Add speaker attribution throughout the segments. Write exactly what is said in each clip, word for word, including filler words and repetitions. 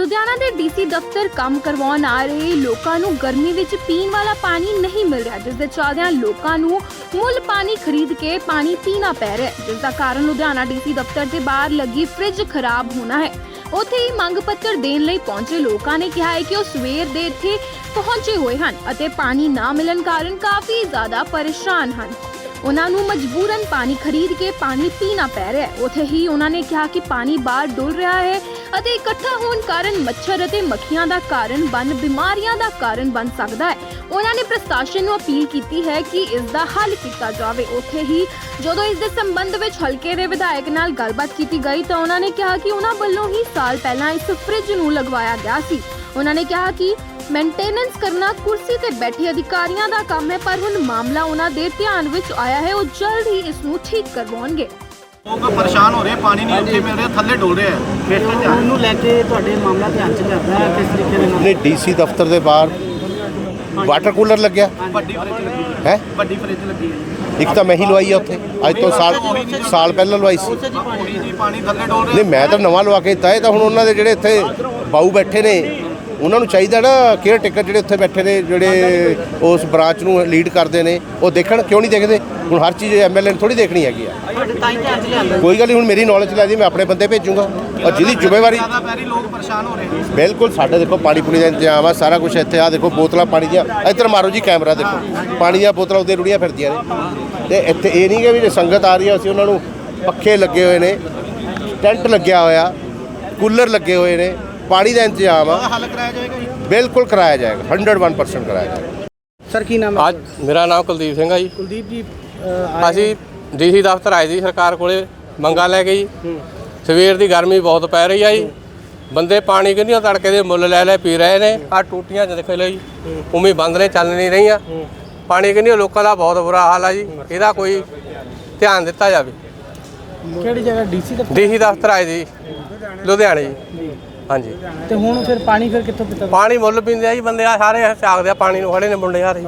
Speaker 1: ਲੁਧਿਆਣਾ ਦੇ ਡੀਸੀ ਦਫ਼ਤਰ ਕੰਮ ਕਰਵਾਉਣ ਆ ਰਹੇ ਲੋਕਾਂ ਨੂੰ ਗਰਮੀ ਵਿੱਚ ਪੀਣ ਵਾਲਾ ਪਾਣੀ ਨਹੀਂ ਮਿਲ ਰਿਹਾ, ਜਿਸ ਦੇ ਚੱਲਦਿਆਂ ਲੋਕਾਂ ਨੂੰ ਮੁੱਲ ਪਾਣੀ ਖਰੀਦ ਕੇ ਪਾਣੀ ਪੀਣਾ ਪੈ ਰਿਹਾ ਹੈ, ਜਿਸ ਦਾ ਕਾਰਨ ਲੁਧਿਆਣਾ ਡੀਸੀ ਦਫ਼ਤਰ ਦੇ ਬਾਹਰ ਲੱਗੀ ਫ੍ਰਿਜ ਖਰਾਬ ਹੋਣਾ ਹੈ। ਉੱਥੇ ਹੀ ਮੰਗ ਪੱਤਰ ਦੇਣ ਲਈ ਪਹੁੰਚੇ ਲੋਕਾਂ ਨੇ ਕਿਹਾ ਹੈ ਕਿ ਉਹ ਸਵੇਰ ਦੇ ਇੱਥੇ ਪਹੁੰਚੇ ਹੋਏ ਹਨ ਅਤੇ ਪਾਣੀ ਨਾ ਮਿਲਣ ਕਾਰਨ ਕਾਫੀ ਜ਼ਿਆਦਾ ਪਰੇਸ਼ਾਨ ਹਨ। ਉਹਨਾਂ ਨੂੰ ਮਜਬੂਰਨ ਪਾਣੀ ਖਰੀਦ ਕੇ ਪਾਣੀ ਪੀਣਾ ਪੈ ਰਿਹਾ ਹੈ। ਉੱਥੇ ਹੀ ਉਹਨਾਂ ਨੇ ਕਿਹਾ ਕਿ ਪਾਣੀ ਬਾਹਰ ਡੁੱਲ ਰਿਹਾ ਹੈ ਅਤੇ ਇਕੱਠਾ ਹੋਣ ਕਾਰਨ ਮੱਛਰ ਅਤੇ ਮੱਖੀਆਂ ਦਾ ਕਾਰਨ ਬਣ ਬਿਮਾਰੀਆਂ ਦਾ ਕਾਰਨ ਬਣ ਸਕਦਾ ਹੈ। ਉਹਨਾਂ ਨੇ ਪ੍ਰਸ਼ਾਸਨ ਨੂੰ ਅਪੀਲ ਕੀਤੀ ਹੈ ਕਿ ਇਸ ਦਾ ਹੱਲ ਕੀਤਾ ਜਾਵੇ। ਉੱਥੇ ਹੀ ਜਦੋਂ ਇਸ ਦੇ ਸੰਬੰਧ ਵਿੱਚ ਹਲਕੇ ਦੇ ਵਿਧਾਇਕ ਨਾਲ ਗੱਲਬਾਤ ਕੀਤੀ ਗਈ ਤਾਂ ਉਹਨਾਂ ਨੇ ਕਿਹਾ ਕਿ ਉਹਨਾਂ ਵੱਲੋਂ ਹੀ ਸਾਲ ਪਹਿਲਾਂ ਇਸ ਫ੍ਰਿਜ ਨੂੰ ਲਗਵਾਇਆ ਗਿਆ ਸੀ। ਉਹਨਾਂ ਨੇ ਕਿਹਾ ਕਿ ਮੇਨਟੇਨੈਂਸ ਕਰਨਾ ਕੁਰਸੀ ਤੇ ਬੈਠੇ ਅਧਿਕਾਰੀਆਂ ਦਾ ਕੰਮ ਹੈ, ਪਰ ਹੁਣ ਮਾਮਲਾ ਉਹਨਾਂ ਦੇ ਧਿਆਨ ਵਿੱਚ ਆਇਆ ਹੈ। ਉਹ ਜਲਦ ਹੀ ਇਸ ਨੂੰ ਠੀਕ ਕਰਵਾਉਣਗੇ।
Speaker 2: ਲੋਕ ਪਰੇਸ਼ਾਨ ਹੋ ਰਹੇ, ਪਾਣੀ ਨਹੀਂ ਉੱਥੇ ਮਿਲ ਰਿਹਾ, ਥੱਲੇ ਡੁੱਲ ਰਿਹਾ ਹੈ।
Speaker 3: ਉਹਨੂੰ ਲੈ ਕੇ ਤੁਹਾਡੇ ਮਾਮਲਾ ਧਿਆਨ ਚ ਲਿਆਂਦਾ ਹੈ ਕਿਸ ਤਰੀਕੇ ਦੇ ਨਾਲ?
Speaker 4: ਨੇ ਡੀਸੀ ਦਫ਼ਤਰ ਦੇ ਬਾਹਰ ਵਾਟਰ ਕੂਲਰ ਲੱਗਿਆ
Speaker 2: ਵੱਡੀ ਫ੍ਰਿਜ ਲੱਗੀ
Speaker 4: ਹੈ।
Speaker 2: ਵੱਡੀ ਫ੍ਰਿਜ ਲੱਗੀ ਹੈ।
Speaker 4: ਇੱਕ ਤਾਂ ਮੈਂ ਹੀ ਲਵਾਈ ਆ ਉੱਥੇ, ਅੱਜ ਤੋਂ ਸਾਲ ਸਾਲ ਪਹਿਲਾਂ ਲਵਾਈ ਸੀ।
Speaker 2: ਉਹੀ ਜੀ ਪਾਣੀ ਥੱਲੇ ਡੁੱਲ ਰਿਹਾ।
Speaker 4: ਨਹੀਂ, ਮੈਂ ਤਾਂ ਨਵਾਂ ਲਵਾ ਕੇ ਦਿੱਤਾ। ਇਹ ਤਾਂ ਹੁਣ ਉਹਨਾਂ ਦੇ ਜਿਹੜੇ ਇੱਥੇ ਬਾਊ ਬੈਠੇ ਨੇ, ਉਹਨਾਂ ਨੂੰ ਚਾਹੀਦਾ ਨਾ ਕੇਅਰ ਟੇਕਰ ਜਿਹੜੇ ਉੱਥੇ ਬੈਠੇ ਨੇ, ਜਿਹੜੇ ਉਸ ਬ੍ਰਾਂਚ ਨੂੰ ਲੀਡ ਕਰਦੇ ਨੇ, ਉਹ ਦੇਖਣ। ਕਿਉਂ ਨਹੀਂ ਦੇਖਦੇ? ਹੁਣ ਹਰ ਚੀਜ਼ ਐਮ ਐਲ ਏ ਨੇ ਥੋੜੀ ਦੇਖਣੀ ਹੈਗੀ ਆ। ਕੋਈ ਗੱਲ ਨਹੀਂ, ਹੁਣ ਮੇਰੀ ਨੌਲੇਜ ਲੈ ਜੀ, ਮੈਂ ਆਪਣੇ ਬੰਦੇ ਭੇਜੂੰਗਾ ਔਰ ਜਿਹਦੀ ਜ਼ਿੰਮੇਵਾਰੀ।
Speaker 2: ਜ਼ਿਆਦਾ ਪੈਰੀ ਲੋਕ ਪਰੇਸ਼ਾਨ ਹੋ ਰਹੇ।
Speaker 4: ਬਿਲਕੁਲ, ਸਾਡੇ ਦੇਖੋ ਪਾਣੀ ਪੂਣੀ ਦਾ ਇੰਤਜ਼ਾਮ ਆ, ਸਾਰਾ ਕੁਝ ਇੱਥੇ ਆ। ਦੇਖੋ ਬੋਤਲਾਂ ਪਾਣੀ ਦੀਆਂ, ਇੱਧਰ ਮਾਰੋ ਜੀ ਕੈਮਰਾ, ਦੇਖੋ ਪਾਣੀ ਦੀਆਂ ਬੋਤਲਾਂ ਉੱਤੇ ਰੁੜੀਆਂ ਫਿਰਦੀਆਂ ਨੇ। ਤੇ ਇੱਥੇ ਇਹ ਨਹੀਂ ਕਿ ਵੀ ਜੇ ਸੰਗਤ ਆ ਰਹੀ ਹੈ ਅਸੀਂ ਉਹਨਾਂ ਨੂੰ, ਪੱਖੇ ਲੱਗੇ ਹੋਏ ਨੇ, ਟੈਂਟ ਲੱਗਿਆ ਹੋਇਆ, ਕੂਲਰ ਲੱਗੇ ਹੋਏ ਨੇ, ਪਾਣੀ ਦਾ ਇੰਤਜ਼ਾਮ ਆ।
Speaker 2: ਹੱਲ ਕਰਾਇਆ ਜਾਏਗਾ ਜੀ?
Speaker 4: ਬਿਲਕੁਲ ਕਰਾਇਆ ਜਾਏਗਾ, ਹੰਡਰਡ ਵਨ ਪਰਸੈਂਟ ਕਰਾਇਆ ਜਾਏਗਾ।
Speaker 3: ਸਰ ਕੀ ਨਾਮ ਹੈ?
Speaker 5: ਅੱਜ ਮੇਰਾ ਨਾਮ ਕੁਲਦੀਪ ਸਿੰਘ ਆ ਜੀ।
Speaker 3: ਕੁਲਦੀਪ ਜੀ,
Speaker 5: ਅਸੀਂ ਡੀਸੀ ਦਫ਼ਤਰ ਆਏ ਸੀ ਸਰਕਾਰ ਕੋਲੇ ਮੰਗਾਂ ਲੈ ਕੇ ਜੀ। ਸਵੇਰ ਦੀ ਗਰਮੀ ਬਹੁਤ ਪੈ ਰਹੀ ਆ ਜੀ। ਬੰਦੇ ਪਾਣੀ ਕਿੰਨੀਆਂ ਤੜਕੇ ਦੇ ਮੁੱਲ ਲੈ ਲੈ ਪੀ ਰਹੇ ਨੇ। ਆ ਟੂਟੀਆਂ ਚ ਦੇਖ ਲਓ ਜੀ, ਉਵੇਂ ਬੰਦ ਨੇ, ਚੱਲ ਨਹੀਂ ਰਹੀਆਂ। ਪਾਣੀ ਕਿੰਨੀਆਂ ਲੋਕਾਂ ਦਾ ਬਹੁਤ ਬੁਰਾ ਹਾਲ ਆ ਜੀ। ਇਹਦਾ ਕੋਈ ਧਿਆਨ ਦਿੱਤਾ ਜਾਵੇ।
Speaker 3: ਕਿਹੜੀ ਜਗ੍ਹਾ? ਡੀਸੀ ਦਫ਼ਤਰ?
Speaker 5: ਡੀਸੀ ਦਫ਼ਤਰ ਆਏ ਜੀ ਲੁਧਿਆਣੇ ਜੀ। ਹਾਂਜੀ।
Speaker 3: ਤੇ ਹੁਣ ਫਿਰ ਪਾਣੀ ਫਿਰ ਕਿੱਥੋਂ ਪੀਤਾ?
Speaker 5: ਪਾਣੀ ਮੁੱਲ ਪੀਂਦੇ ਆ ਜੀ ਬੰਦੇ, ਆ ਸਾਰੇ ਝਾਕਦੇ ਆ ਪਾਣੀ ਨੂੰ, ਖੜੇ ਨੇ ਮੁੰਡੇ ਯਾਰ।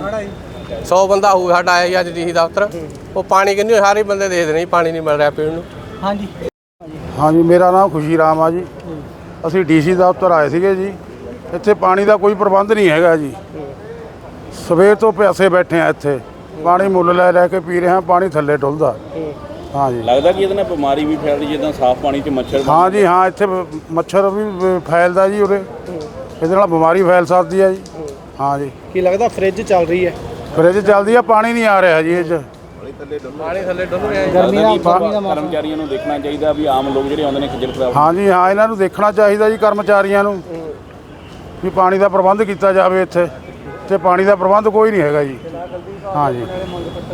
Speaker 5: ਸੌ ਬੰਦਾ ਹੋਊ ਸਾਡਾ ਆਇਆ ਜੀ ਅੱਜ ਡੀਸੀ ਦਫ਼ਤਰ। ਉਹ ਪਾਣੀ ਕਿੰਨੀ ਸਾਰੇ ਬੰਦੇ ਦੇਖਦੇ ਨੇ, ਪਾਣੀ ਨਹੀਂ ਮਿਲ ਰਿਹਾ ਪੀਣ ਨੂੰ।
Speaker 3: ਹਾਂਜੀ
Speaker 6: ਹਾਂਜੀ, ਮੇਰਾ ਨਾਮ ਖੁਸ਼ੀ ਰਾਮ ਆ ਜੀ। ਅਸੀਂ ਡੀਸੀ ਦਫ਼ਤਰ ਆਏ ਸੀਗੇ ਜੀ। ਇੱਥੇ ਪਾਣੀ ਦਾ ਕੋਈ ਪ੍ਰਬੰਧ ਨਹੀਂ ਹੈਗਾ ਜੀ। ਸਵੇਰ ਤੋਂ ਪਿਆਸੇ ਬੈਠੇ ਆ ਇੱਥੇ, ਪਾਣੀ ਮੁੱਲ ਲੈ ਲੈ ਕੇ ਪੀ ਰਹੇ ਹਾਂ, ਪਾਣੀ ਥੱਲੇ ਡੁੱਲਦਾ। ਹਾਂ ਜੀ,
Speaker 7: ਲੱਗਦਾ ਕਿ ਇਹਦੇ ਨਾਲ ਬਿਮਾਰੀ ਵੀ ਫੈਲਦੀ, ਜਿੱਦਾਂ ਸਾਫ਼ ਪਾਣੀ 'ਚ ਮੱਛਰ।
Speaker 6: ਹਾਂ ਜੀ ਹਾਂ, ਇੱਥੇ ਮੱਛਰ ਵੀ ਫੈਲਦਾ ਜੀ ਉਰੇ। ਇਹਦੇ ਨਾਲ ਬਿਮਾਰੀ ਫੈਲ ਸਕਦੀ ਹੈ ਜੀ। ਹਾਂ ਜੀ।
Speaker 3: ਕੀ ਲੱਗਦਾ ਫ੍ਰਿਜ ਚੱਲ ਰਹੀ ਹੈ?
Speaker 6: ਫ੍ਰਿਜ ਚੱਲਦੀ ਆ, ਪਾਣੀ ਨਹੀਂ ਆ ਰਿਹਾ ਜੀ ਇਹ 'ਚ।
Speaker 5: ਪਾਣੀ ਥੱਲੇ ਡੁੱਲ ਰਿਹਾ।
Speaker 3: ਗਰਮੀ ਦਾ ਪਾਣੀ ਦਾ ਮੌਸਮ।
Speaker 7: ਕਰਮਚਾਰੀਆਂ ਨੂੰ ਦੇਖਣਾ ਚਾਹੀਦਾ ਵੀ ਆਮ ਲੋਕ ਜਿਹੜੇ ਆਉਂਦੇ ਨੇ ਖੱਜਲ ਖਰਾਬ।
Speaker 6: ਹਾਂ ਜੀ ਹਾਂ, ਇਹਨਾਂ ਨੂੰ ਦੇਖਣਾ ਚਾਹੀਦਾ ਜੀ, ਕਰਮਚਾਰੀਆਂ ਨੂੰ, ਵੀ ਪਾਣੀ ਦਾ ਪ੍ਰਬੰਧ ਕੀਤਾ ਜਾਵੇ ਇੱਥੇ। ਤੇ ਪਾਣੀ ਦਾ ਪ੍ਰਬੰਧ ਕੋਈ ਨਹੀਂ ਹੈਗਾ ਜੀ। ਹਾਂ ਜੀ।